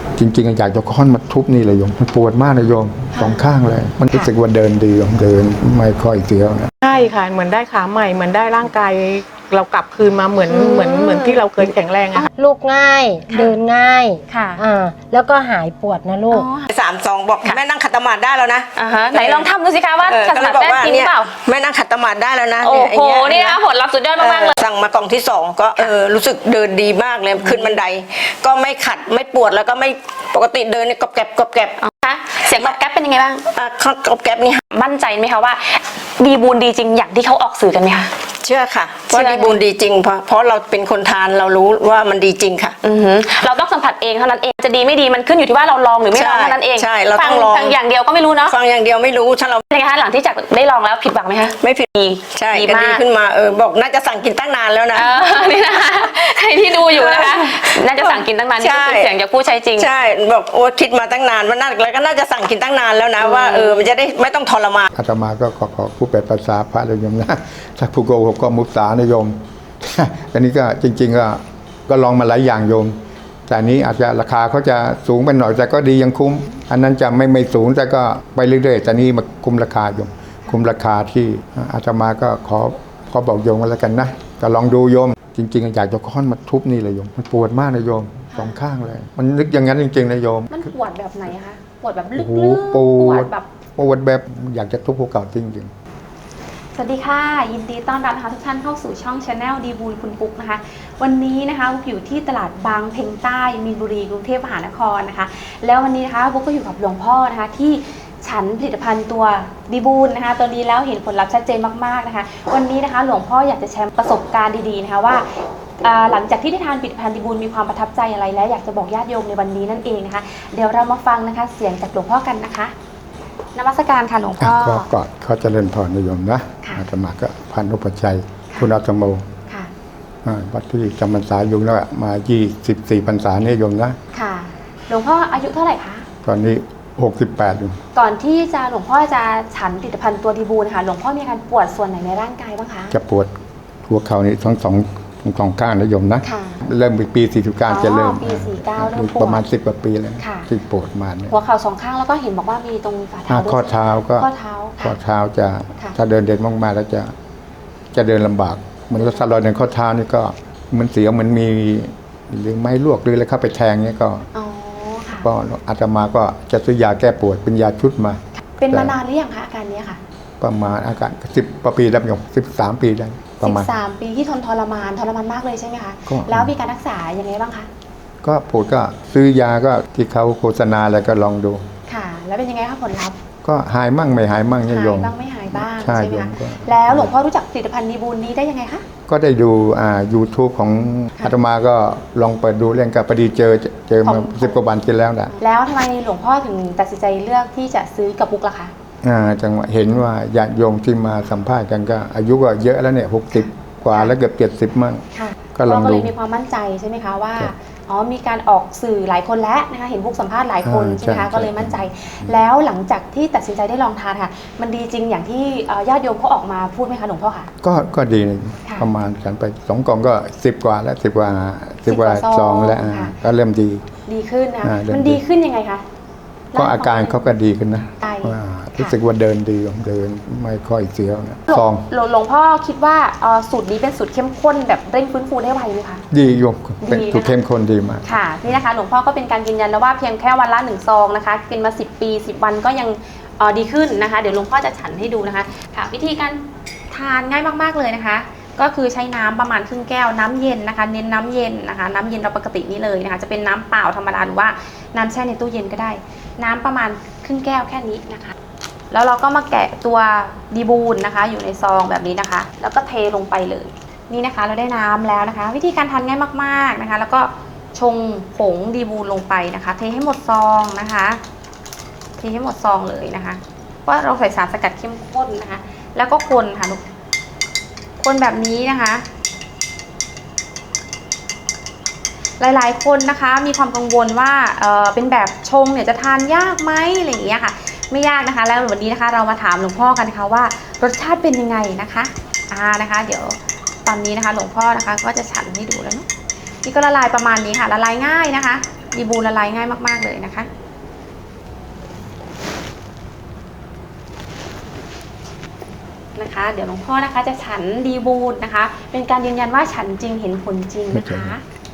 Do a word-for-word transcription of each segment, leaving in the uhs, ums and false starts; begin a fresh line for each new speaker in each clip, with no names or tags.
จริงๆอยากจะค้อนมาทุบนี่เลยโยมมันปวดมากนะโยมสองข้างเลยมันรู้สึกว่าเดินดีโยมเดินไม่ค่อยเสียวนะ
ใช่ค่ะเหมือนได้ขาใหม่เหมือนได้ร่างกายเรากลับคืนมาเหมือนเหมือนเหมือนที่เราเคยแข็งแรงอะค่ะ
ลูกง่ายเดินง่าย
ค่ะ
อ่าแล้วก็หายปวดนะลูก
สามสองบอกแม่นั่งขัดสมาธิได้แล้วนะ
อ่าฮะไหนลองทำดูสิคะว่า
เออ
ขัด
ก็
ส
เล
มาย
บอก
ธิได้
ว่า
จริงหรื
เนี่
อย เปล่า
แม่นั่งขัดสมาธิได้แล้วนะ
โอ้
เนี่ย
โห
ไอ้เย
นี่นะคะผลลัพธ์สุดยอดมากๆเลย
สั่งมากล่องที่สองก็เออรู้สึกเดินดีมากเลยขึ้นบันได ก็ไม่ขัดไม่ปวดแล้วก็ไม่ปกติเดินเนี่ยกรอบแกรบกรอบแกรบ
คะเสียงตอบแก๊ปเป็นยังไงบ้าง
อ่ะกรอบแกรบนี่
มั่นใจไหมคะว่าดีบูนดีจริงอย่างที่เขาออกสื่อกันไหมคะ
เชื่อค่ะ
เชื่
ว่า
อ
ดีบุญดีจริงเพราะเพราะเราเป็นคนทานเรารู้ว่ามันดีจริงค่ะ
อือหือเราต้องสัมผัสเองเท่านั้นเองจะดีไม่ดีมันขึ้นอยู่ที่ว่าเราลองหรือไม่ลอง
ใช่
เท่านั้นเอง
ใช่เรา
ฟั
ต้องลอง
ฟังอย่างเดียวก็ไม่รู้เนาะ
ฟังอย่างเดียวไม่รู้ถ้าเรา
เป็นไงคะหลังที่จากได้ลองแล้วผิดหวังไหมคะ
ไม่ผิด
ดี
ใช่
ดี
ก็
มา
ดี
ก
ขึ้นมาเออบอกน่าจะสั่งกินตั้งนานแล้วนะ
เออนี่นะคะใครที่ดูอยู่นะคะน่าจะสั่งกินตั้งนานนี่ก็เป็นเสียงจากผู้ใช้จริง
ใช่บอกโอ้คิดมาตั้งนานว่าน่าแล้วก็น่าจะสั่งกินตั้งนานแล้วนะว่าเออมันจะได้ไม่ต้องทรมาน
อาตมาก็ขอขอผู้แปลภาษาพระเลยโยมนะถ้าผู้โกหกก็มุสานะโยม อันนี้ก็จริงๆก็ก็ลองมาหลายอย่างโยม แต่นี้อาจจะราคาเขาจะสูงไปหน่อยแต่ก็ดียังคุ้ม อันนั้นจะไม่ไม่สูงแต่ก็ไปเรื่อยๆแต่นี้มาคุ้มราคาโยม คุ้มราคาที่อาตมาก็ขอขอบอกโยมกันแล้วกันนะก็ลองดูโยม จริงๆอยากจะค้อนมาทุบนี่เลยโยมมันปวดมากนะโยมสองข้างเลย มันนึกอย่างนั้นจริงๆนะโยม
มันปวดแบบไหนคะปวดแบบลึ
โอ้
ก
โห
ๆ
ป
ป
ว
ว
ด
ดแบบ
ปวดแบบอยากจะทุบภูเขาจริงๆ
สวัสดีค่ะยินดีต้อนรับนะคะทุกท่านเข้าสู่ช่อง Channel ดีบูลคุณปุ๊กนะคะวันนี้นะคะบุ๊กอยู่ที่ตลาดบางเพ็งใต้มีนบุรีกรุงเทพมหานครนะคะแล้ววันนี้นะคะบุ๊กก็อยู่กับหลวงพ่อนะคะที่ฉันผลิตภัณฑ์ตัวดีบูลนะคะตัวนี้แล้วเห็นผลลัพธ์ชัดเจนมากๆนะคะวันนี้นะคะหลวงพ่ออยากจะแชร์ประสบการณ์ดีๆนะคะว่าหลังจากที่ได้ทานผลิตภัณฑ์ดีบูลมีความประทับใจอะไรและอยากจะบอกญาติโยมในวันนี้นั่นเองนะคะเดี๋ยวเรามาฟังนะคะเสียงจากหลวงพ่อกันนะคะนมัสการค่ะหลวงพ่อ
ก็กอดเขาเจริญพรนิยมนะ
ค่ะ
อาตมาก็พันธุปชัยคุณอาตโม
ค่ะ
อ่าวัดที่จำพรรษาอยู่แล้วมายี่สิบสี่พรรษาเนี่ยโยมนะ
ค่ะหลวงพ่ออายุเท่าไหร่คะ
ตอนนี้หกสิบแปดอยู่
ก่อนที่จะหลวงพ่อจะฉันผลิตภัณฑ์ตัวดีบูลค่ะหลวงพ่อมีอาการปวดส่วนไหนในร่างกายบ้างคะ
จะปวดหัวเข่านี่ทั้งสองทั้งสองข้างนะโยมนะ
ค่ะ
เริ่มปีสี่สิบเก้าจะเริ่ม
อ๋อปีสี่สิบเก้าเริ่มปวด
ประมาณสิบกว่าปีแล้ว
ค่ะ
ที่ปวดมาเนี่ย
หัวเข่าสองข้างแล้วก็เห็นบอกว่ามีตรงฝ่า
ถ้า
เท้าด้วย
ข้อเท้าก็
ข้อเท้า
ข้อ
ค่ะ
เท้าจะ
ค่ะ
ถ้าเดินเด่นมากๆแล้วจะจะเดินลำบากเหมือนรถสลอยในข้อเท้านี่ก็เหมันเสียวเหมันมีหรือไม้ลวกหรืออะไรเข้าไปแทงเนี่ยก็
อ๋อค่ะ
ก็อาตมาก็จะซื้อยาแก้ปวดเป็นยาชุดมา
เป็นมานานหรือยังคะอาการนี้ค่ะ
ประมาณอาการสิบปีแล้วโยมสิบสามปีได้ประ
สิ
มาณ
บสามปีที่ทนทรมานทรมานมากเลยใช่ไหมคะ
ก็
แล้วมีการรักษายังไงบ้างคะ
ก็ปวดก็ซื้อยาก็ที่เขาโฆษณาอะไรก็ลองดู
ค่ะ แล้วเป็นยังไงคะผลลัพธ์
ก็หายมั่งไม่หายมั่งเนี่ย
หา
โย
ย
ม
บ้างไม่หายบ้าง
ใช่
ใช่ไหม
โยม
คะ
ก็
แล้วหลวงพ่อรู้จักผลิตภัณฑ์ดีบูลนี้ได้ยังไงคะ
ก็ได้ดูอ่า YouTube ของ
ค่ะ
อาตมาก็ลองเปิดดูเรื่องกับพอดีเจอเจอมา
ของ
สิบกว่าวันกินแล้วนะ
แล้วทำไมหลวงพ่อถึงตัดสินใจเลือกที่จะซื้อกับบุ๊กล่ะคะ
อ่าจังหวะเห็นว่าญาติโยมที่มาสัมภาษณ์กันก็ อายุก็เยอะแล้วเนี่ยหกสิบกว่าแล้วเกือบเจ็ดสิบมั่ง
ค่ะ
ก็ลองดู
เราก็เลยมีความมั่นใจใช่ไหมคะว่า
ครับ
อ๋อมีการออกสื่อหลายคนแล้วนะคะเห็นบุ๊กสัมภาษณ์หลายคน
อ่า
ใช่ไหมคะ
ใช่
ก็เลยมั่นใจ แล้วหลังจากที่ตัดสินใจได้ลองทานค่ะ มันดีจริงอย่างที่เอ่อญาติโยมเขาออกมาพูดไหมคะหลวงพ่อคะ
ก็ก็ดีนะ
ค่ะ
ประมาณฉันไปสองกล่องก็สิบกว่าแล้วสิบกว่าสิบกว่า
สิบกว่า
ซ
ซ
อ
อง ง
แล้วอ่า
ค่ะ
ก็เริ่มดี
ดีขึ้นนะคะ
อ่าเริ่ม
มันดีขึ้นยังไงคะ
ก็อาการเขาก็ดีขึ้นนะ
ใช่
ว่ารู้สึกว่าเดินดีเดินไม่ค่อยเสียวนะ
หลวง
ซอง
หลวงหลวงพ่อคิดว่าเอ่อสูตรนี้เป็นสูตรเข้มข้นแบบเร่งฟื้นฟูได้ไวไหมคะ
ดีโยมเป็น
ดีนะคะ
ถูกเข้มข้นดีมาก
ค่ะนี่นะคะหลวงพ่อก็เป็นการยืนยันแล้วว่าเพียงแค่วันละหนึ่งซองนะคะกินมาสิบปีสิบวันก็ยังเอ่อดีขึ้นนะคะ เดี๋ยวหลวงพ่อจะฉันให้ดูนะคะค่ะวิธีการทานง่ายมากๆเลยนะคะ ก็คือใช้น้ำประมาณครึ่งแก้วน้ำเย็นนะคะ เน้นน้ำเย็นนะคะ น้ำเย็นเราปกตินี่เลยนะคะ จะเป็นน้ำเปล่าธรรมดาหรือว่าน้ำแช่ในตู้เย็นก็ได้ น้ำประมาณครึ่งแก้วแค่นี้นะคะ แล้วเราก็มาแกะตัวดีบูลนะคะ อยู่ในซองแบบนี้นะคะ แล้วก็เทลงไปเลยนี่นะคะ เราได้น้ำแล้วนะคะ วิธีการทานง่ายมากๆนะคะ แล้วก็ชงผงดีบูลลงไปนะคะ เทให้หมดซองนะคะเทให้หมดซองเลยนะคะเพราะเราใส่สารสกัดเข้มข้นนะคะ แล้วก็คนค่ะลูกคนแบบนี้นะคะ หลายๆคนนะคะมีความกังวลว่าเออเป็นแบบชงเนี่ยจะทานยากไหมอะไรอย่างเงี้ยค่ะไม่ยากนะคะ แล้ววันนี้นะคะเรามาถามหลวงพ่อกันนะคะว่ารสชาติเป็นยังไงนะคะอ่านะคะ เดี๋ยวตอนนี้นะคะหลวงพ่อนะคะก็จะฉันให้ดูแล้วเนาะนี่ก็ละลายประมาณนี้ค่ะละลายง่ายนะคะดีบูนละลายง่ายมากๆเลยนะคะนะคะ เดี๋ยวหลวงพ่อนะคะจะฉันดีบูนนะคะ เป็นการยืนยันว่าฉันจริงเห็นผลจริงนะคะ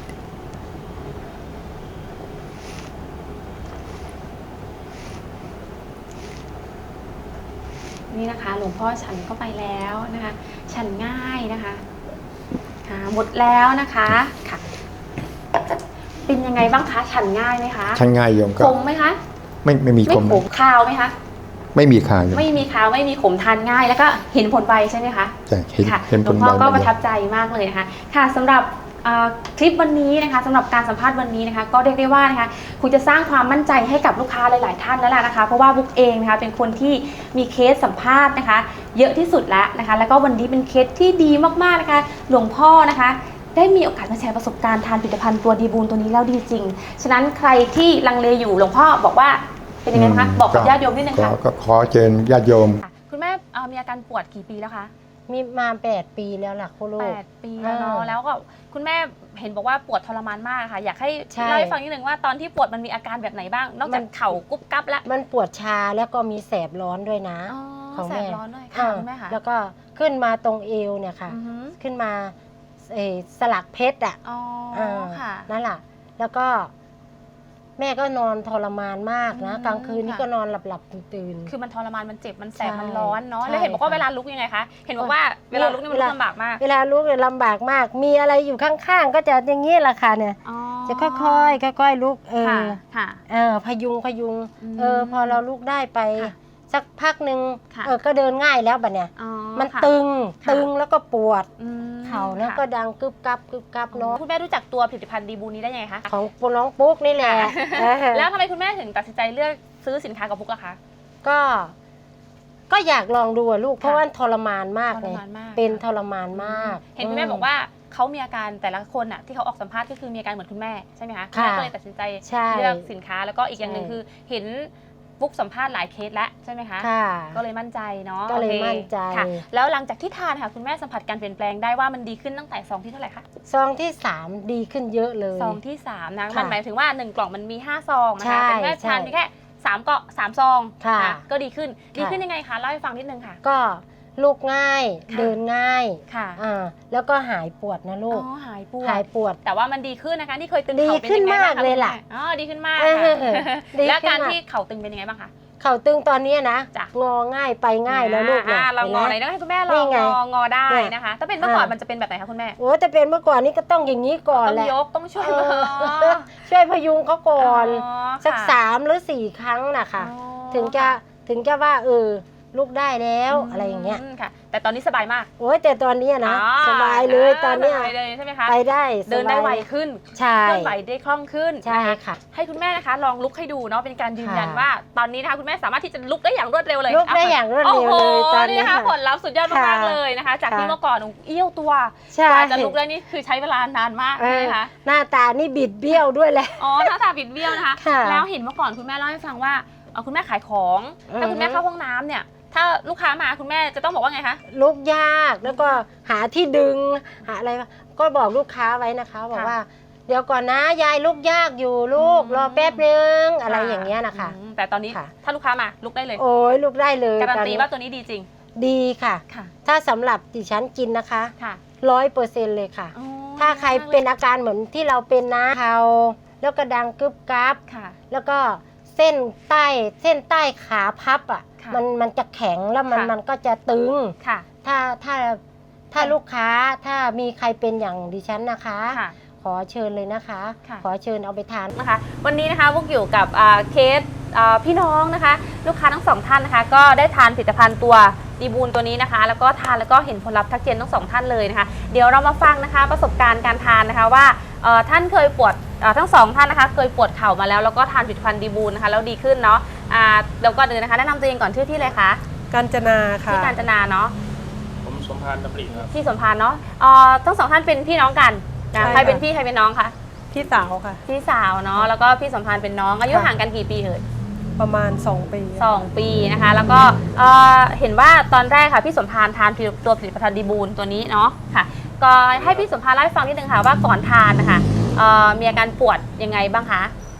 นี่นะคะหลวงพ่อฉันเข้าไปแล้วนะคะฉันง่ายนะคะค่ะหมดแล้วนะคะค่ะเป็นยังไงบ้างคะฉันง่ายไหมคะ
ฉันง่ายโยม
ข
ก็
มไหมคะ
ไม่ไม่มี
ไม่
คม
ขมคาวไหมคะ
ไม่มีคาโยม
ไม่มีคาวไม่มีขมทานง่ายแล้วก็เห็นผลไวใช่ไหมคะ
ใช่เห็น
ค่ะ
เห็น
ห
ผ
ลว
ล
งพ่อก็
ไว
ประทับใจมากเลยนะคะค่ะสำหรับเอ่อคลิปวันนี้นะคะสำหรับการสัมภาษณ์วันนี้นะคะก็เรียกได้ว่านะคะคงจะสร้างความมั่นใจให้กับลูกค้าหลาย ๆ ท่านแล้วล่ะนะคะเพราะว่าบุ๊กเองนะคะเป็นคนที่มีเคสสัมภาษณ์นะคะเยอะที่สุดแล้วนะคะแล้วก็วันนี้เป็นเคสที่ดีมากๆนะคะหลวงพ่อนะคะได้มีโอกาสมาแชร์ประสบการณ์ทานผลิตภัณฑ์ตัวดีบูนตัวนี้แล้วดีจริงฉะนั้นใครที่ลังเลอยู่หลวงพ่อบอกว่าเป็นยังไงคะบอกกับญาติโยมนิดนึงค่ะ
ก็ขอเชิญญาติโยม
คุณแม่เอ่อมีอาการปวดกี่ปีแล้วคะ
มีมาแปดปีแล้วล่ะคุณลู
แป
ก
ดปีแล้วเนาะ
อ่า
แล้วก็คุณแม่เห็นบอกว่าปวดทรมานมากค่ะ อยากให้
ใช่
เล่าให้ฟังนิดนึงว่าตอนที่ปวดมันมีอาการแบบไหนบ้าง นอกจากเข่ากุ๊บกั๊บแล้ว
มันปวดชาแล้วก็มีแสบร้อนด้วยนะ
อ๋อ
ของ
แส
แม่
บร้อนด้วยค่ะคุณแม่ค่ะ
แล้วก็ขึ้นมาตรงเอวเนี่ยค่ะ
อือหือ
ขึ้นมาเอ่อสลักเพชรอ่ะ
อ๋อ
อ่า
ค่ะ
นั่นแหละแล้วก็แม่ก็นอนทรมานมากนะ
อืม
กลางคืนนี่
ค่ะ
ก็นอนหลับหลับๆตื่น
คือมันทรมานมันเจ็บมันแสบ
ใช่
มันร้อนเนาะ
ใช่
แล้วเห็นบอกว่า
ค่ะ
เวลาลุกยังไงคะเห็นบอกว่าเวลาลุกนี่มัน
เว
ลุ
ลา
กลำบากมาก
เวลาลุกเนี่ยลำบากมาก มีอะไรอยู่ข้างๆ ก็จะอย่างนี้แหละค่ะเนี่ย
อ๋อ
จะค่อยๆค่อยๆลุกเอ
ค่ะ
อ
ค่ะ
เออพยุงพยุง
อืม
เออพอเราลุกได้ไป
ค่ะ
สักพักหนึ่ง
ค่ะ
เออก็เดินง่ายแล้วบัดเนี่ย
อ๋อ
มัน
ค่ะ
ตึง
ค่ะ
ตึงแล้วก็ปวด
อืม
เข่าแล้ว
ค่ะ
ก็ดังกึบกับกึบกับเนาะ
คุณแม่รู้จักตัวผลิตภัณฑ์ดีบูนี้ได้ยังไงคะ
ของปุน้องปุ๊กนี่แหละเออ
แล้วทำไมคุณแม่ถึงตัดสินใจเลือกซื้อสินค้ากับพุกล่ะคะ
ก็ ก็อยากลองดูอะลูก เพราะ
ค่ะ
ว่าทรมานมาก
ท
เล
ร
ย
มานมาก
เป็นทรมานมาก
เห็นคุณแม่บอกว่าเขามีอาการแต่ละคนอ่ะที่เขาออกสัมภาษณ์ก็คือมีอาการเหมือนคุณแม่ใช่ไหมคะ
ค่ะ
แม่ก็เลยตัดสินใจ
ใช่
เลือกสินค้าแล้วก็อีกอย่างหนึ่ง
ใช่
คือเห็นบุ๊กสัมภาษณ์หลายเคสแล้วใช่ไหมคะ
ค่ะ
ก็เลยมั่นใจเนาะ
ก็เลย
โอค
มั่นใจ
ค่ะ แล้วหลังจากที่ทานค่ะคุณแม่สัมผัสการเปลี่ยนแปลงได้ว่ามันดีขึ้นตั้งแต่ซองที่เท่าไหร่คะ
ซองที่สามดีขึ้นเยอะเลย
ซองที่สามนะ
ค่ะ
มันหมายถึงว่าหนึ่งกล่องมันมีห้าซองนะ
ใช่
คะแต่คุณแม่
ใช่
ทานเพียงแค่สามเกาะสามซอง
ค่ะ
นก็ดีขึ้นดี
ค่ะ
ขึ้นยังไงคะเล่าให้ฟังนิดนึงค่ะ
ก็ลุกง่าย
ค่ะ
เดินง่าย
ค่ะ
อ่าแล้วก็หายปวดนะ
อ๋
ลูก
อหายปว
หาย
ด
ปวด
แต่ว่ามันดีขึ้นนะคะที่เคยตึง
ดี
เข่าเป็น
ขึ้น
ยังไงบ้าง
มาก
คะ
เลยล่ะ
คุณแม่อ๋อดีขึ้นมาก
เออ
ค่ะ
ดี
แล้ว
ขึ้น
การ
มาก
ที่เข่าตึงเป็นยังไงบ้างคะ
เข่าตึงตอนเนี้ยนะ
จ้ะ
งอง่ายไปง่ายแล้วลูก
อ่า
นะ
เรางอไหน
ห็น
ต้
ไหม
องให้คุณแม่ล
นี่
อง
ไง
งองอได้
เนี่ย
นะคะ ถ้าเป็นเมื่อก่อน
อ่ามั
มันจะเป็นแบบไหนคะคุณแม่
โอ้แต่เป็นเมื่อก่อนนี่ก็ต้องอย่างนี้ก่อน
ต้อง
แหละ
ยกต้องช่วย
เอ
มือ
อช่วยพยุงเขาก่อน
อ๋อ
สัก
ค่ะ
สามหรือสี่ครั้งนะคะ
อ๋อ
ถึงจะถึงจะว่าเออลุกได้แล้ว
ม
อะไรอย่างเงี้ย
ค่ะ แต่ตอนนี้สบายมาก
โอ้ยแต่ตอนเนี้ยนะ
อ๋อ
สบายเลยตอนเนี้ย
สบายเลยใช่ไหมคะ
ไปได้
เดินได้
สบาย
ไวขึ้น
ใช่
เคลื่อนไหวได้คล่องขึ้น
ใช่
นะคะ
ค่ะ
ให้คุณแม่นะคะลองลุกให้ดูเนาะเป็นการยืนยัน
ค่ะ
ว่า ตอนนี้นะคะคุณแม่สามารถที่จะลุกได้อย่างรวดเร็วเลย
ลุกได้อย่างรวดเร็วเลย
โอ้โห
ตอนนี้
นี่นะคะ
ค่ะ
ผลลัพธ์สุดยอดมาก
ค่ะ
ๆเลยนะคะ จากที่
ค่ะ
เมื่อก่อนหนูเอี้ยวตัว
ใช่
กว่าจะลุกได้นี่คือใช้เวลานานมาก
เอ
ใช่
อ
ไหมคะ
หน้าตานี่บิดเบี้ยวด้วยแหละ
อ๋อหน้าตาบิดเบี้ยวนะคะ
ค่ะ
แล้วเห็นเมื่อก่อนคุณแม่เล่าให้ฟังว่าเอ่อคุณแม่ขายของ
อือฮึ
ถ้าคุณแม่เข้าห้องน้ำเนี่ย ถ้าลูกค้ามาคุณแม่จะต้องบอกว่าไงคะ
ลุกยากแล้วก็หาที่ดึงหาอะไรก็บอกลูกค้าไว้นะคะบอก
ค่ะ
ว่า เดี๋ยวก่อนนะยายลุกยากอยู่ลูก
อืม
รอแป๊บนึงอะไรอย่างเงี้ยนะคะ
อืมแต่ตอนนี้
ค่ะ
ถ้าลูกค้ามาลุกได้เลย
โอ้ยลุกได้เลย
การัน
ตอ
ตีว่าตัวนี้ดีจริง
ดีค่ะ
ค่ะ
ถ้าสำหรับดิฉันกินนะคะ
ค่ะ
ร้อยเปอร์เซ็นต์เลยค่ะ
อ๋อ
ถ้าใครเป็นอาการเหมือนที่เราเป็นนะเข่าแล้วก็ดังกึบกับ
ค่ะ
แล้วก็เส้นใต้เส้นใต้ขาพับอ่ะ
ค่ะ
มันมันจะแข็งแล้วมัน
ค่ะ
มันก็จะตึง
ค่ะ
ถ้าถ้าถ้าลูกค้าถ้ามีใครเป็นอย่างดิฉันนะคะ
ค่ะ
ขอเชิญเลยนะคะ
ค่ะ
ขอเชิญเอาไปทาน
นะคะวันนี้นะคะพวกอยู่กับอ่าเคสอ่าพี่น้องนะคะ ลูกค้าทั้งสองท่านนะคะ ก็ได้ทานผลิตภัณฑ์ตัวดีบูนตัวนี้นะคะ แล้วก็ทานแล้วก็เห็นผลลัพธ์ทักเจนทั้งสองท่านเลยนะคะ เดี๋ยวเรามาฟังนะคะประสบการณ์การทานนะคะว่าเอ่อท่านเคยปวดเอ่อทั้งสองท่านนะคะ เคยปวดเข่ามาแล้วแล้วก็ทานผลิตภัณฑ์ดีบูนนะคะแล้วดีขึ้นเนาะอ่าเดี๋ยวก่อนอื่นนะคะแนะนำตัวเองก่อนชื่อที่เลยคะ
กาญจนาค่ะ
ที่การจนาเนาะ
ผมสมพานดำริครับ
ที่สมพานเนาะเอ่อทั้งสองท่านเป็นพี่น้องกันนะ
ใช่
ใครเป็น
ค่ะ
พี่ใครเป็นน้องคะ
พี่สาวค่ะ
พี่สาวเนาะแล้วก็พี่สมพานเป็นน้องอายุ
ค่ะ
ห่างกันกี่ปีเอ่ย
ประมาณสองปี
สองปีนะคะ แล้วก็เอ่อเห็นว่าตอนแรกค่ะพี่สมพานทานตัวผลิตภัณฑ์ดีบูนตัวนี้เนาะค่ะ ก็ให้พี่สมพานเล่าให้ฟังนิดนึงค่ะว่าก่อนทานนะคะเอ่อมีอาการปวดยังไงบ้างคะ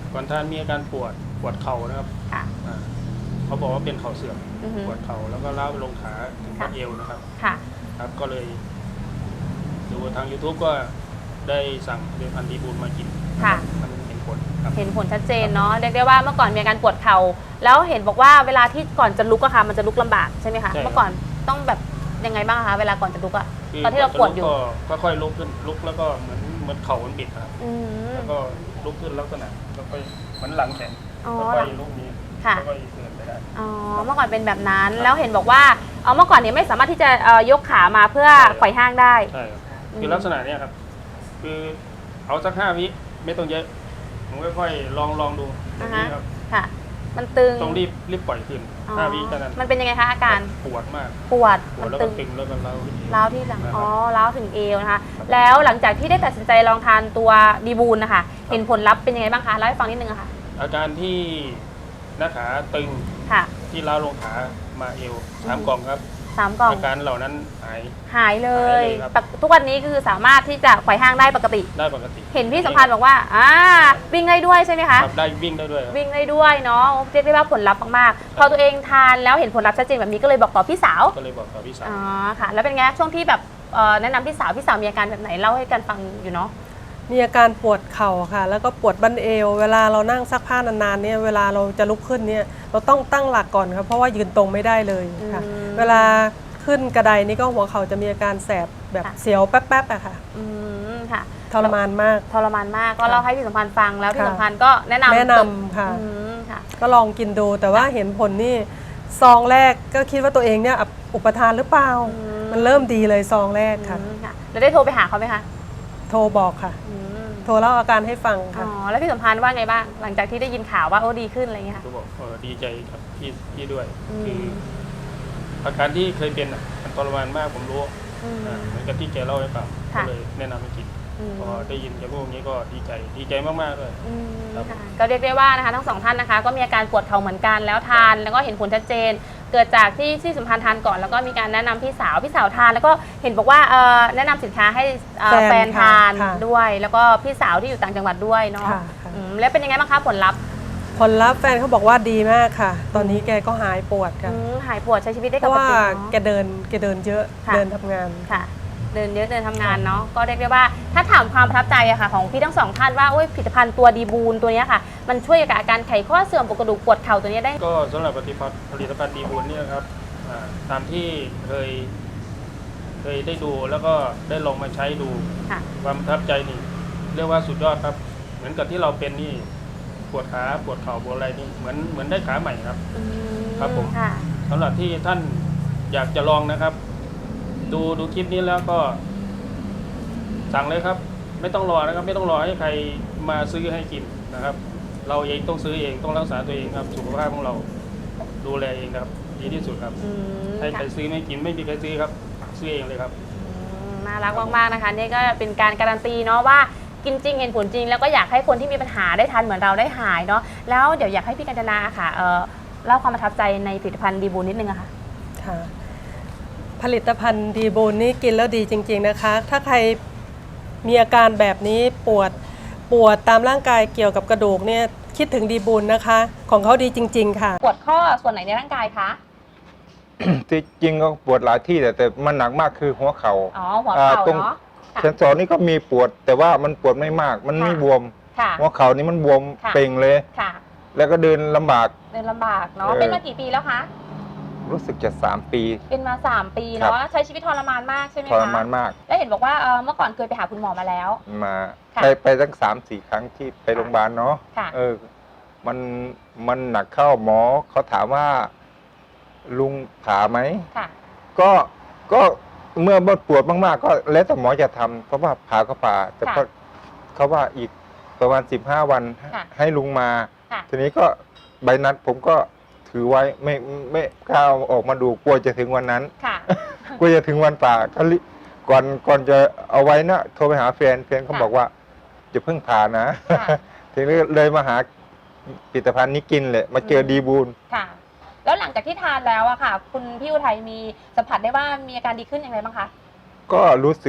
ก่อนท่านมีอาการปวดปวดเข่านะครับ
ค่ะ
อ่าเขาบอกว่าเป็นเข่าเสื่อม
อือฮึ
ปวดเข่าแล้วก็ล้าวไปลงขาถึง
ค่ะ
บัดเอวนะครับ
ค่ะ
ครับก็เลยดูทาง YouTube ก็ได้สั่งเดือนพันธีบูลมากิน
ค่ะ
มันเห็นผลครับ
เห็นผลชัดเจนเนาะเรียกได้ว่าเมื่อก่อนมีอาการปวดเข่าแล้วเห็นบอกว่าเวลาที่ก่อนจะลุกอะค่ะมันจะลุกลำบากใช่ไหมคะ
ใช่ครับ
เมื่อก่อนต้องแบบยังไงบ้างคะเวลาก่อนจะลุกอะ
คื
ตอนที่เราปวดอยู่
ก็ค่อยๆลุกขึ้นลุกแล้วก็เหมือนเหมือนเข่ามันบิดครับ
อืม
แล้วก็ลุกขึ้นลักษณะแล้วก็เหมือนหลังแข็ง
อ๋อ
ค่อยๆลุกนี้
ค่ะ
ค่อยๆเดินไปได้
อ๋อเมื่อก่อนเป็นแบบนั้นแล้วเห็นบอกว่าเอาเมื่อก่อนเนี่ยไม่สามารถที่จะเอ่อยกขามาเพื่อ
ใช่ครับ
ไขว่ห้างได้
ใช่ครับ
อืม
คือลักษณะเนี้ยครับ คือเอาสักห้าวิไม่ต้องเยอะผมค่อยๆลองลองดูอย่างนี้ครับ
ค่ะ มันตึง
ต้องรีบรีบปล่อยขึ้น
อ๋อ
ห้าวิเท่านั้น
มันเป็นยังไงคะอาการ
ปวดมาก
ปวด
ปว
มั
ด
น
แล้ว
ตึ
ก็
ง
ตึงแล้วก็เล้า
ร้าวที่หลัง
นะครับ
อ๋อร้าวถึงเอวนะคะ แล้วหลังจากที่ได้ตัดสินใจลองทานตัวดีบูลนะคะ เห็นผลลัพธ์เป็นยังไงบ้างคะ เล่าให้ฟังนิดนึงอะค่ะ
อาการที่หน้าขาตึง
ค่ะ
ที่ล้าวลงขามาเอวสามกล่องครับ
สามกล่อง
อาการเหล่านั้นหาย
หายเล
หาย ยเลยครับ
ปกทุกวันนี้คือสามารถที่จะไขว่ห้างได้ปกติ
ได้ปกติ
เห็นพี่สัมพันธ์บอกว่า อ่า วิ่งได้ด้วยใช่ไหมคะ
ครับได้วิ่งได้ด้วยครับ
วิ่งได้ด้วยเนาะ เรียกได้ว่าผลลัพธ์มากๆ พอตัวเองทานแล้วเห็นผลลัพธ์ชัดเจนแบบนี้ก็เลยบอกต่อพี่สาว
ก็เลยบอกกับพี่สาว
อ๋อ ค่ะ แล้วเป็นไงช่วงที่แบบเอ่อแนะนำพี่สาว พี่สาวมีอาการแบบไหน เล่าให้กันฟังอยู่เนาะ
มีอาการปวดเข่าค่ะ แล้วก็ปวดบั้นเอว เวลาเรานั่งซักผ้านานๆเนี่ยเวลาเราจะลุกขึ้นเนี่ยเราต้องตั้งหลักก่อนครับเพราะว่ายืนตรงไม่ได้เลยค่ะ
อืม
เวลาขึ้นกระไดนี่ก็หัวเข่าจะมีอาการแสบแบบ
ค่ะ
เสียวแป๊บๆอะค่ะ
อืม ค่ะ
ทรมานมาก
ทรมานมาก ก็เล่าให้พี่สัมพันธ์ฟังแล้วพี่
ค่ะ
สัมพันธ์ก็แนะนำ
แนะนำค่ะ
อืม ค่ะ
ก็ลองกินดูแต่ว่าเห็นผลนี่ซองแรกก็คิดว่าตัวเองเนี่ยอุปทานหรือเปล่า
อืม
มันเริ่มดีเลยซองแรกค่ะ
อืมค่ะ แล้วได้โทรไปหาเขาไหมคะ
โทรบอกค่ะ
อืม
โทรเล่าอาการให้ฟัง
อ๋
ค่ะ
อ แล้วพี่สัมพันธ์ว่าไงบ้าง หลังจากที่ได้ยินข่าวว่าโอ้ดีขึ้นอะไรอย่างเงี้ยค่ะ
ก็บอกเออดีใจครับพี่พี่ด้วย
อืม
คืออาการที่เคยเป็นอ่ะมันทรมานมากผมรู้
อืม
อ่าเหมือนกับที่แกเล่าให้ฟังก็
ค่ะ
เลยแนะนำให้กิน
อืม
พอได้ยินแกพูดอย่างนี้ก็ดีใจดีใจมากๆเลย
อืม
ครับ
ค่ะก็เรียกได้ว่านะคะทั้งสองท่านนะคะ ก็มีอาการปวดเข่าเหมือนกันแล้วทานแล้วก็เห็นผลชัดเจน เกิดจากที่ที่สัมพันธ์ทานก่อนแล้วก็มีการแนะนำพี่สาวพี่สาวทาน แล้วก็เห็นบอกว่าเอ่อแนะนำสินค้าให้เอ่อ
แฟน
แฟนทาน
ค่ะ
ด้วย แล้วก็พี่สาวที่อยู่ต่างจังหวัดด้วยเนาะ
ค่ะค่ะ
อืมแล้วเป็นยังไงบ้างคะผลลัพธ์
ผลลัพธ์แฟนเขาบอกว่าดีมากค่ะ ตอนนี้แกก็หายปวดค่ะ
อืมหายปวดใช้ชีวิตได้
เพ
ป
ราะ
ก
ว่า
ติ
แก
เนาะ
เดินแกเดินเยอะ
ค่ะ
เดินทำงาน
ค่ะ เดินเยอะเดินทำงานเนาะก็เรียกได้ว่าถ้าถามความประทับใจอะค่ะของพี่ทั้งสองท่านว่าโอ้ยผลิตภัณฑ์ตัวดีบูนตัวเนี้ยค่ะ มันช่วยกับอาการไขข้อเสื่อมปวดกระดูกปวดเข่าตัวเนี้ยได้
ก็สำหรับผลิตภัณฑ์ผลิตภัณฑ์ดีบุญเนี่ยครับอ่าตามที่เคย เคยได้ดูแล้วก็ได้ลองมาใช้ดู
ค่ะ
ความประทับใจนี่เรียกว่าสุดยอดครับ เหมือนกับที่เราเป็นนี่ปวดขาปวดเข่าปวดอะไรนี่เหมือนเหมือนได้ขาใหม่ครับ
อืม
ครับผม
ค่ะ
สำหรับที่ท่านอยากจะลองนะครับ ดูดูคลิปนี้แล้วก็ สั่งเลยครับ ไม่ต้องรอนะครับ ไม่ต้องรอให้ใครมาซื้อให้กินนะครับ เราเองต้องซื้อเองต้องรักษาตัวเองครับ สุขภาพของเราดูแลเองครับ ดีที่สุดครับ
อืม
ให้ใคร
ค่ะ
ซื้อไม่กินไม่มีใครซื้อครับ ซื้อเองเลยครับ
อืมน่ารักมากๆนะคะนี่ก็เป็นการการันตีเนาะว่ากินจริงเห็นผลจริง แล้วก็อยากให้คนที่มีปัญหาได้ทานเหมือนเราได้หายเนาะแล้วเดี๋ยวอยากให้พี่กัญจนาค่ะเอ่อเล่าความประทับใจในผลิตภัณฑ์ดีบูนนิดนึงอะค่ะ
ค่ะ ผลิตภัณฑ์ดีบูนนี่กินแล้วดีจริง ๆนะคะ ถ้าใครมีอาการแบบนี้ปวดปวดตามร่างกายเกี่ยวกับกระดูกเนี่ยคิดถึงดีบูนนะคะ ของเขาดีจริง ๆ ค่ะ
ปวดข้อส่วนไหนในร่างกายคะ
ที่จริงก็ปวดหลายที่แต่แต่มันหนักมากคือหัวเขา
อ๋
่า
อหัวเข่า
อ่าตรง
เนาะค่ะ
เซนสอนนี่ก็มีปวด แต่ว่ามันปวดไม่มาก มันไม่
ค่ะ
บวม
ค่ะ
หัวเข่านี่มันบวม
ค่ะ
เป่งเลย
ค่ะ
แล้วก็เดินลำบาก
เดินลำบากเนาะ
เออ
เป็นมากี่ปีแล้วคะ
รู้สึกจะสามปี
เป็นมาสามปี
ครั
เนาะ
บ
ใช้ชีวิตทรมานมากใช่ไหม
ท
คะ
รมานมาก
แล้วเห็นบอกว่าเอ่อเมื่อก่อนเคยไปหาคุณหมอมาแล้ว
มา
ค่ะ
ไปไปตั้งสามสี่ครั้งที่ไปโรงพยาบาลเนาะ
ค่ะ
เออ มันมันหนักเข้าหมอเขาถามว่า ลุงผ่าไหม
ค่ะ
ก็ก็เมื่อปวดมากๆ ก็แล้วแต่หมอจะทำเพราะว่าผ่าก็ผ่า แต่
ค่ะ
ก็เขาว่าอีกประมาณสิบห้าวัน
ค่ะ
ให้ลุงมา
ค่ะ
ทีนี้ก็ใบนัดผมก็ถือไว้ไม่ไม่กล้าเอาออกมาดูกลัวจะถึงวันนั้น
ค่ะ
กลัวจะถึงวันป่าก็รีก่อนก่อนจะเอาไว้นะโทรไปหาแฟนแฟนเขา
ค่ะ
บอกว่าจะเพิ่งผ่านะ
ค่ะ
ทีนี้เลยมาหาผลิตภัณฑ์นี้กินเลยมาเจอดีบูล
ค่ะ แล้วหลังจากที่ทานแล้วอะค่ะ คุณพี่อุทัยมีสัมผัสได้ว่ามีอาการดีขึ้นอย่างไรบ้างคะ
ก็รู้สึกว่า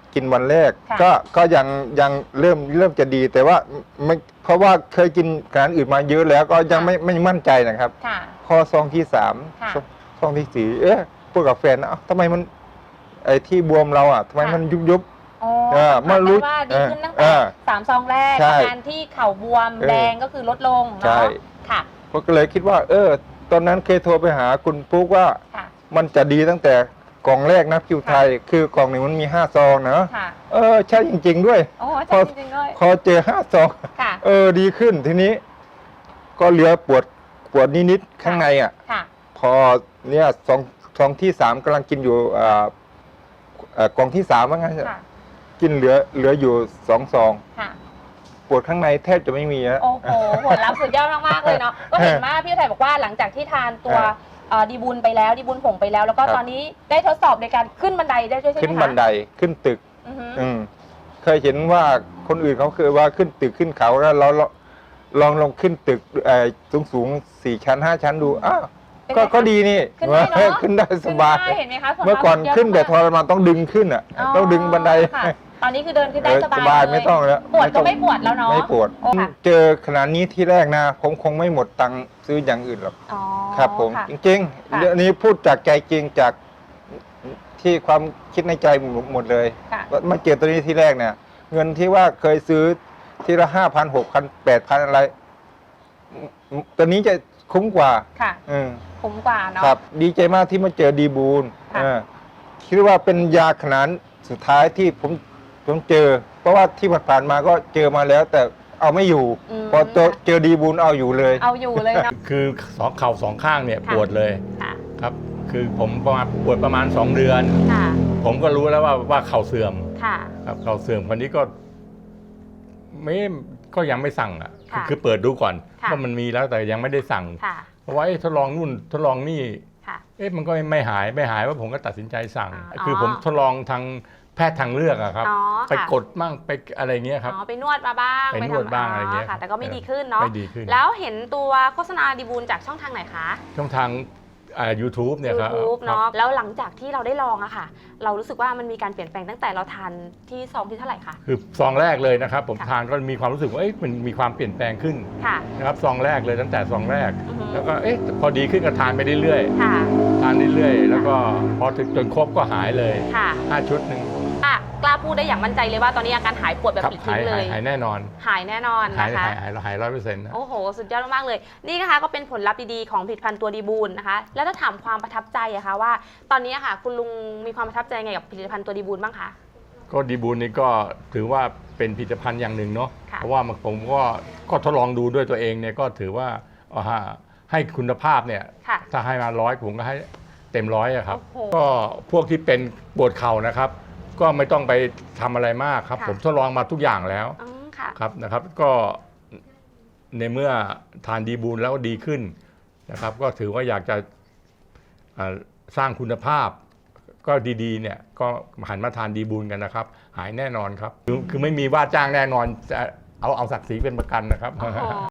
กินวันแรก
ค่ะ
ก็ก็ยังยังเริ่มเริ่มจะดี แต่ว่าไม่เพราะว่าเคยกินอาหารอื่นมาเยอะแล้วก็ยังไม่ไม่มั่นใจนะครับ
ค่ะ
พอซองที่สาม
ค่ะ
ซองที่สี่เอ๊ะพูดกับแฟนนะเอ้าทำไมมันไอ้ที่บวมเราอ่ะทำไมมันยุบยุบ
อ๋อ
เออ
สัมผัส
เมื่อรู้
ได้ว่าดีขึ้นตั้ง
เอ
แต่
อ
สามซองแรก
ใช่
อาการที่เข่าบวม
เออ
แดงก็คือลดลง
ใช่
เนาะค่ะ
ผมก็เลยคิดว่า เออ ตอนนั้นเคยโทรไปหาคุณปุ๊กว่า
ค่ะ
มันจะดีตั้งแต่กล่องแรกนะคิวไทย คือกล่องหนึ่งมันมีห้าซองนะ
ค่ะ
เออใช่จริง ๆ ด้วย
โอ้
พอ
ใช่จริงๆด้วย
พอเจอห้าซอง
ค่ะ
เออดีขึ้นทีนี้ ก็เหลือปวดปวดนิดๆข้างในอ่ะ
ค่ะ
พอเนี่ยซองซองที่สามกำลังกินอยู่อ่าเอ่อกล่องที่สามว่างั้น
ค่ะ
กินเหลือเหลืออยู่สองซอง
ค่ะ
ปวดข้างในแทบจะไม่มีนะ
โอ้โหผลลัพธ์สุดยอดมากๆเลยเนาะ ก็เห็นว่าพี่ไทยบอกว่าหลังจากที่ทานตัว
เออ
เอ่อดีบุญไปแล้วดีบุญผงไปแล้ว แล้วก็
ครับ
ตอนนี้ได้ทดสอบในการขึ้นบันไดได้ด้วยใช่ไหมคะ
ขึ้นบันไดขึ้นตึก
อือฮึ
อืมเคยเห็นว่าคนอื่นเขาเคยว่าขึ้นตึกขึ้นเขาแล้วเราเราลองลองขึ้นตึกสูงสูงๆสี่ชั้นห้าชั้นดูอ้าว
เป็นไง
ก็
คะ
ก็ดีนี่
ขึ้นได้เนอะ
ขึ้นได้สบาย
ขึ้นได้เห็นไหมคะผลลัพธ์
เมื่อก่อน
สุดยด
ขึ้นแต่ท
มาก
รมานต้องดึงขึ้นอ่ะ ต้องดึงบันได
ค่ะตอนนี้คือเดินขึ้นได้
เออ
สบาย
สบาย
เล
ไม่ต้องแล้ว
ปวดก็
ต้อง
ไม่ปวดแล้วเนาะ
ไม่ปวด
โอ้ค่ะ
เจอขนาดนี้ที่แรกนะ ผมคงไม่หมดตังค์ซื้ออย่างอื่นหรอก
อ๋อ
ครับผม
ค่ะ
จริง
ค่ะ
ๆเรื่องนี้พูดจากใจจริงจากที่ความคิดในใจหมดเลย
ค่ะ
ว่ามาเจอตัวนี้ที่แรกเนี่ย เงินที่ว่าเคยซื้อทีละห้าพันหกพันแปดพันอะไรตัวนี้จะคุ้มกว่า
ค่ะ
อืม
คุ้มกว่าเนาะ
ครับ ดีใจมากที่มาเจอดีบูล
ค่ะ
เออคิดว่าเป็นยาขนาดสุดท้ายที่ผมผมเจอ เพราะว่าที่ผ่านๆมาก็เจอมาแล้ว แต่เอาไม่อยู่
ม
พอเจอเจอดีบูลเอาอยู่เลย
เอาอยู่เลยเนาะ
คือสองเข่าสองข้างเนี่ย
ค่ะ
ปวดเลย
ค่ะ
ครับ คือผมประมาณปวดประมาณสองเดือน
ค่ะ
ผมก็รู้แล้วว่าว่าเข่าเสื่อม
ค่ะ
ครับเข่าเสื่อมคนนี้ก็ไม่ก็ยังไม่สั่งอ่ะ
ค่ะ
คือเปิดดูก่อน
ค่ะ
ว่ามันมีแล้วแต่ยังไม่ได้สั่ง
ค่ะ
เพราะว่าเอ๊ะทดลองนู่นทดลองนี่
ค่ะ
เอ๊ะมันก็ไม่หายไม่หายว่าผมก็ตัดสินใจสั่ง
อ๋อ
คือผมทดลองทางแพทย์ทางเลือกอะครับ
อ๋อ
ไป
ค่ะ
กดมั่งไปอะไรเงี้ยครับ
อ๋อไปนวดมาบ้าง
ไปนวด
ทำ
บ้างอะไรเงี้ย
ค่ะ แต่ก็ไม่
เออ
ดีขึ้นเนาะ
ไม่ดีขึ้น
แล้วเห็นตัวโฆษณาดีบูลจากช่องทางไหนคะ
ช่องทางอ่า YouTube เนี่ยครับ
YouTube
ครับ
เนาะแล้วหลังจากที่เราได้ลองอะค่ะ เรารู้สึกว่ามันมีการเปลี่ยนแปลงตั้งแต่เราทานที่ซองที่เท่าไหร่คะ
คือซองแรกเลยนะครับ ผม
ค่ะ
ทานก็มีความรู้สึกว่าเอ๊ะมันมีความเปลี่ยนแปลงขึ้น
ค่ะ
นะครับซองแรกเลยตั้งแต่ซองแรก
อือฮึ
แล้วก็เอ๊ะพอดีขึ้นก็ทานไปเรื่อย
ค่ะ
ๆทานเรื่อยๆแล้วก็พอถึงจนครบก็หายเลย
ค่ะ
ห้าชุดหนึ่ง
อ่ะกล้าพูดได้อย่างมั่นใจเลยว่าตอนนี้อาการหายปวดแบบ
ครับ
ปลิด
หา
ทิ้
ย
งเล
หาย
ย
หายแน่นอน
หายแน่นอน
หาย
นะคะ
หายหายหายร้อยเปอร์เซ็นต์นะ
โอ้โห สุดยอดมากๆเลย นี่นะคะก็เป็นผลลัพธ์ดีๆของผลิตภัณฑ์ตัวดีบูลนะคะ แล้วถ้าถามความประทับใจอะคะว่า ตอนนี้อะค่ะ คุณลุงมีความประทับใจไงกับผลิตภัณฑ์ตัวดีบูลบ้างคะ
ก็ดีบูลนี่ก็ถือว่าเป็นผลิตภัณฑ์อย่างหนึ่งเนาะ
ค่ะ
เพราะว่าผมก็ก็ทดลองดูด้วยตัวเองเนี่ยก็ถือว่าเอาฮะให้คุณภาพเนี่ย
ค่ะ
ถ้าให้มาร้อยผมก็ให้เต็มร้อยอะครับ
โอ้โห
ก็พวกที่เป็นปวดเข่านะครับ ก็ไม่ต้องไปทำอะไรมากครับ
ค่ะ
ผมทดลองมาทุกอย่างแล้ว
อืมค่ะ
ครับนะครับ ก็ในเมื่อทานดีบูลแล้วดีขึ้นนะครับ ก็ถือว่าอยากจะอ่าสร้างคุณภาพ ก็ดีๆเนี่ยก็หันมาทานดีบูลกันนะครับ หายแน่นอนครับ คือคือไม่มีว่าจ้างแน่นอนจะเอาเอาศักดิ์ศรีเป็นประกันนะครับ
โอ้โห